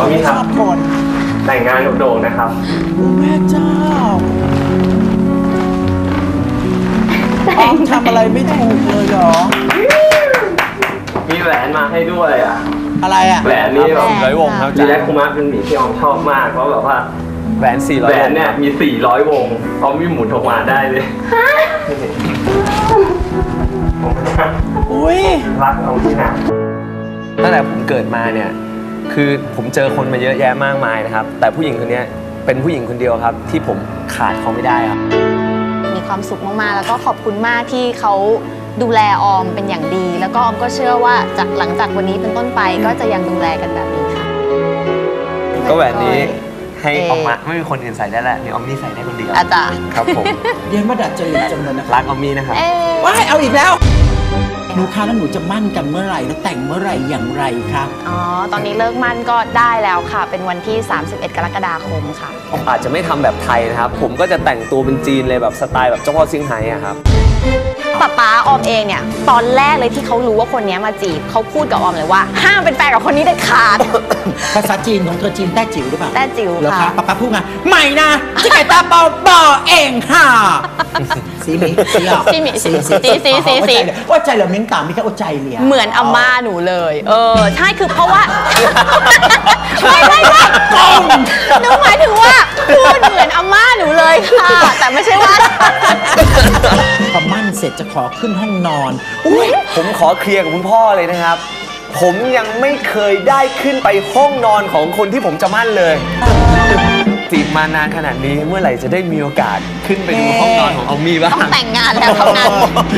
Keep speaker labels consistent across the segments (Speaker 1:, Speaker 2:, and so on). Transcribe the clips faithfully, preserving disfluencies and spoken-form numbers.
Speaker 1: ไม่ชอบคน
Speaker 2: แต่งงานกับโด่งนะครับ
Speaker 1: แม่เจ้าอ้อมทำอะไรไม่ถูกเลยหรอ
Speaker 2: มีแหวนมาให้ด้วยอ่ะ
Speaker 1: อะไรอ่ะ
Speaker 2: แหวนนี่แบบ
Speaker 3: ร้อยวงครับ
Speaker 2: ดีแลกคุมาเป็นหมีที่ออมชอบมากเพราะแบบว่า
Speaker 3: แหวนสี่ร้อย
Speaker 2: แหวนเนี่ยมีสี่ร้อยวงออมมีหมุนออกมาได้เลย
Speaker 1: อุ้ย
Speaker 2: รักเอาที่ไหน
Speaker 3: ตั้งแต่ผมเกิดมาเนี่ยคือผมเจอคนมาเยอะแยะมากมายนะครับแต่ผู้หญิงคนนี้เป็นผู้หญิงคนเดียวครับที่ผมขาดเขาไม่ได้ครับ
Speaker 4: มีความสุขมากๆแล้วก็ขอบคุณมากที่เขาดูแลออมเป็นอย่างดีแล้วก็ออมก็เชื่อว่าจากหลังจากวันนี้เป็นต้นไปก็จะยังดูแลกันแบบนี้ค่ะ
Speaker 3: ก็แหวนนี้ให้ออกมาไม่มีคนอื่นใส่ได้แหละมีออมมี่ใส่ได้คนเดียว
Speaker 4: อาจารย์
Speaker 3: ครับผม
Speaker 1: เรียนมาดัดจริตจังเลยนะ
Speaker 3: รักออมมี่นะครับ
Speaker 1: ว้ายเอาอีกแล้วหนูคะแล้วหนูจะมั่นกันเมื่อไหร่แล้วแต่งเมื่อไหร่อย่างไรคะ
Speaker 4: อ๋อตอนนี้เลิกมั่นก็ได้แล้วค่ะเป็นวันที่สามสิบเอ็ดกรกฎาคมค่ะ
Speaker 3: ผมอาจจะไม่ทำแบบไทยนะครับผมก็จะแต่งตัวเป็นจีนเลยแบบสไตล์แบบเจ้าพ่อเซี่ยงไฮ้อะครับ
Speaker 4: ป๊าป๊าออมเองเนี่ยตอนแรกเลยที่เขารู้ว่าคนนี้มาจีบเขาพูดกับออมเลยว่าห้ามเป็นแฟนกับคนนี้เด็ดขาด
Speaker 1: ภาษาจีนของเธอจีนแต้จิ๋วหรือเปล่า
Speaker 4: แต้จิ๋ว
Speaker 1: ค่ะป๊าป๊าพูดไงใหม่นะจิกตาเปาบอเองค่ะสีหมีสีอ่ะ
Speaker 4: สีหมีสีสีสีสีสี
Speaker 1: ว่าใจเหลือเม้งต่ำไม่ใช่ว่าใจเหลีย
Speaker 4: เหมือนอาม่าหนูเลยเออใช่คือเพราะว่าไม่ไม่ไม่หนูหมายถึงว่าพูดเหมือนอาม่าหนูเลยค่ะแต่ไม่ใช่ว่า
Speaker 1: พอมั่นเสร็จจะขอขึ้นห้องนอน
Speaker 3: ผมขอเคลียร์กับคุณพ่อเลยนะครับผมยังไม่เคยได้ขึ้นไปห้องนอนของคนที่ผมจะมั่นเลยจีบมานานขนาดนี้เมื่อไหร่จะได้มีโอกาสขึ้นไปดูห้องนอนของออมมี่บ้าง
Speaker 4: ต้องแต่งงานแล้วเท่านั้น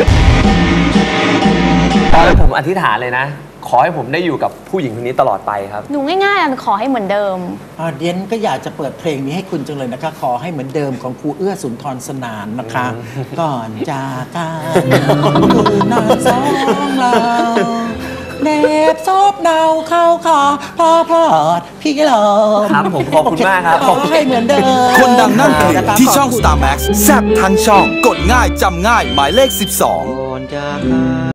Speaker 3: ตอนนั้นผมอธิษฐานเลยนะขอให้ผมได้อยู่กับผู้หญิงคนนี้ตลอดไปครับ
Speaker 4: หนูง่ายๆขอให้เหมือนเดิม
Speaker 1: เดียนก็อยากจะเปิดเพลงนี้ให้คุณจังเลยนะคะขอให้เหมือนเดิมของครูเอื้อสุนทรสนานนะคะก่อนจากกันคือนอนสองเราเด็บซบเดาเข้าคอพอพอดพี่ลม
Speaker 3: ครับผมขอบคุณมากครับ
Speaker 1: ขอให้เหมือนเดิม
Speaker 5: คนดังนั่งเพลงที่ช่อง สตาร์ แม็กซ์ แซ่บทั้งช่องกดง่ายจำง่ายหมายเลขสิบสอง